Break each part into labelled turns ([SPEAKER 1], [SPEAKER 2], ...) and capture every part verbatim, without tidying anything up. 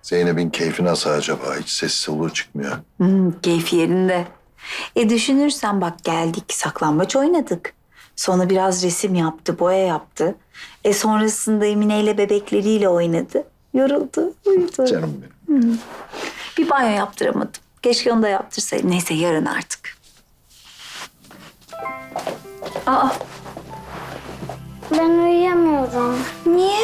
[SPEAKER 1] Zeynep'in keyfi nasıl acaba? Hiç ses soluğu çıkmıyor.
[SPEAKER 2] Hmm, keyfi yerinde. E düşünürsen bak geldik, saklambaç oynadık. Sonra biraz resim yaptı, boya yaptı. E sonrasında Emine ile bebekleriyle oynadı. Yoruldu, uyudu.
[SPEAKER 1] Canım benim.
[SPEAKER 2] Bir banyo yaptıramadım. Keşke onu da yaptırsaydım. Neyse yarın artık. Aa,
[SPEAKER 3] Ben uyuyamıyorum.
[SPEAKER 2] niye?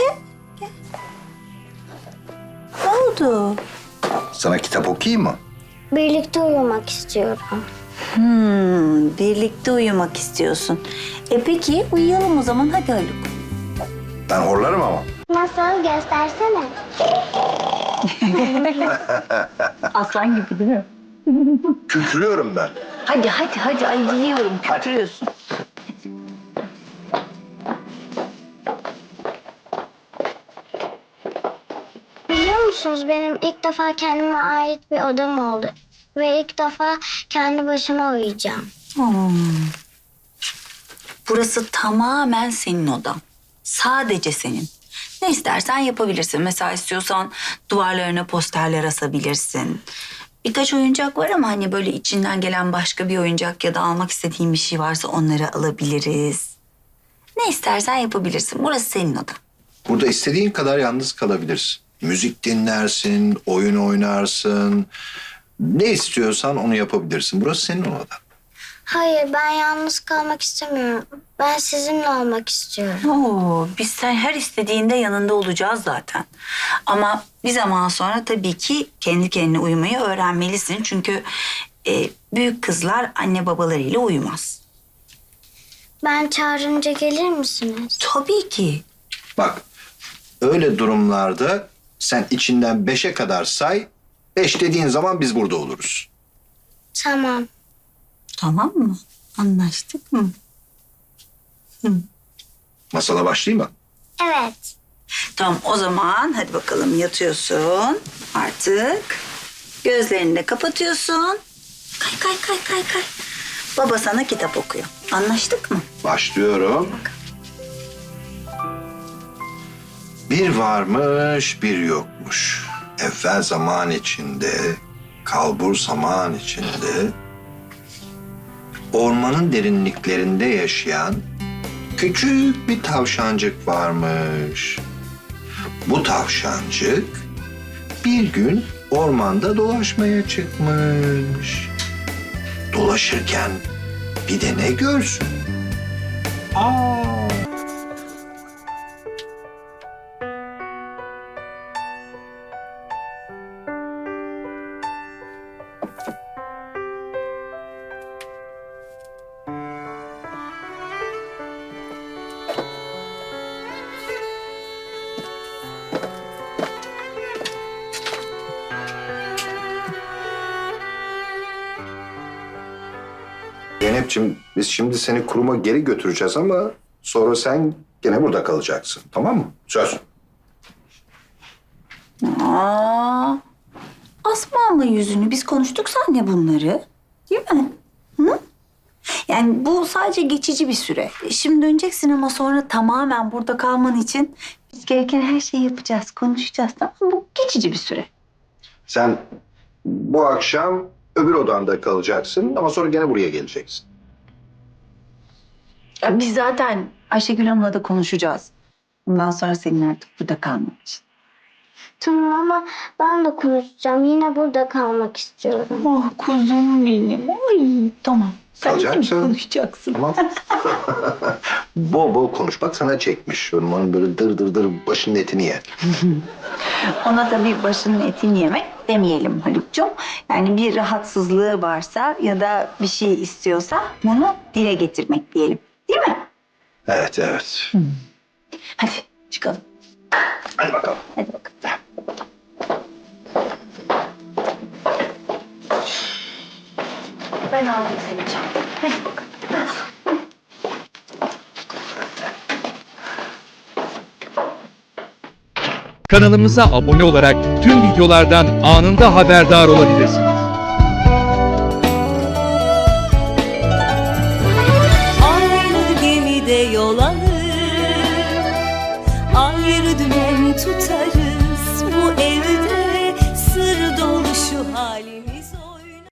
[SPEAKER 2] Ne oldu?
[SPEAKER 1] Sana kitap okuyayım mı?
[SPEAKER 3] Birlikte uyumak istiyorum.
[SPEAKER 2] Hmm, birlikte uyumak istiyorsun. E peki uyuyalım o zaman, hadi Haluk.
[SPEAKER 1] Ben horlarım ama.
[SPEAKER 3] Nasıl? Göstersene.
[SPEAKER 2] Aslan gibi değil mi?
[SPEAKER 1] Kükrüyorum ben.
[SPEAKER 2] Hadi hadi hadi, ay biliyorum kötürüyorsun.
[SPEAKER 3] Biliyor musunuz benim ilk defa kendime ait bir odam oldu. Ve ilk defa kendi başıma uyuyacağım.
[SPEAKER 2] Hmm. Burası tamamen senin odan. Sadece senin. Ne istersen yapabilirsin. Mesela istiyorsan duvarlarına posterler asabilirsin. Birkaç oyuncak var ama hani böyle içinden gelen başka bir oyuncak ya da almak istediğin bir şey varsa onları alabiliriz. Ne istersen yapabilirsin. Burası senin odan.
[SPEAKER 1] Burada istediğin kadar yalnız kalabilirsin. Müzik dinlersin, oyun oynarsın. Ne istiyorsan onu yapabilirsin. Burası senin odan.
[SPEAKER 3] Hayır, ben yalnız kalmak istemiyorum. Ben sizinle olmak istiyorum.
[SPEAKER 2] Oo, biz sen her istediğinde yanında olacağız zaten. Ama bir zaman sonra tabii ki kendi kendine uyumayı öğrenmelisin. Çünkü e, büyük kızlar anne babalarıyla uyumaz.
[SPEAKER 3] Ben çağırınca gelir misiniz?
[SPEAKER 2] Tabii ki.
[SPEAKER 1] Bak, öyle durumlarda sen içinden beşe kadar say. Beş dediğin zaman biz burada oluruz.
[SPEAKER 3] Tamam.
[SPEAKER 2] Tamam mı? Anlaştık mı?
[SPEAKER 1] Masala başlayayım mı?
[SPEAKER 3] Evet.
[SPEAKER 2] Tamam, o zaman hadi bakalım, yatıyorsun artık. Gözlerini de kapatıyorsun. Kay kay kay kay kay. Baba sana kitap okuyor. Anlaştık mı?
[SPEAKER 1] Başlıyorum. Bir varmış, bir yokmuş. Evvel zaman içinde, kalbur zaman içinde, ormanın derinliklerinde yaşayan küçük bir tavşancık varmış. Bu tavşancık bir gün ormanda dolaşmaya çıkmış. Dolaşırken bir de ne görsün? Aa! Zeynep'ciğim, biz şimdi seni kuruma geri götüreceğiz ama sonra sen gene burada kalacaksın. Tamam mı? Söz.
[SPEAKER 2] Aa, asma ama yüzünü. Biz konuştuk seninle bunları. Değil mi? Hı? Yani bu sadece geçici bir süre. Şimdi döneceksin ama sonra tamamen burada kalman için biz gereken her şeyi yapacağız, konuşacağız. Tamam mı? Bu geçici bir süre.
[SPEAKER 1] Sen bu akşam öbür odanda kalacaksın ama sonra gene buraya geleceksin.
[SPEAKER 2] Ya biz zaten Ayşegül Hanım'la da konuşacağız. Bundan sonra senin artık burada kalman için.
[SPEAKER 3] Tamam ama ben de konuşacağım. Yine burada kalmak istiyorum.
[SPEAKER 2] Oh kuzum benim. Ay tamam. Sen
[SPEAKER 1] Kalacak
[SPEAKER 2] de
[SPEAKER 1] mısın?
[SPEAKER 2] konuşacaksın.
[SPEAKER 1] Tamam. Bol bol konuş. Bak sana çekmiş. Onun böyle dır dır dır başının etini ye.
[SPEAKER 2] Ona da bir başının etini yemek demeyelim Haluk'cum. Yani bir rahatsızlığı varsa ya da bir şey istiyorsa bunu dile getirmek diyelim. Değil mi?
[SPEAKER 1] Evet, evet.
[SPEAKER 2] Hadi çıkalım.
[SPEAKER 1] Hadi bakalım.
[SPEAKER 2] Hadi bakalım. Ben aldım seni çantayı. Hadi bakalım.
[SPEAKER 4] Kanalımıza abone olarak tüm videolardan anında haberdar olabilirsiniz.
[SPEAKER 5] Aynı gemide yol alır, ayrı dümen tutarız. Bu evde hayalini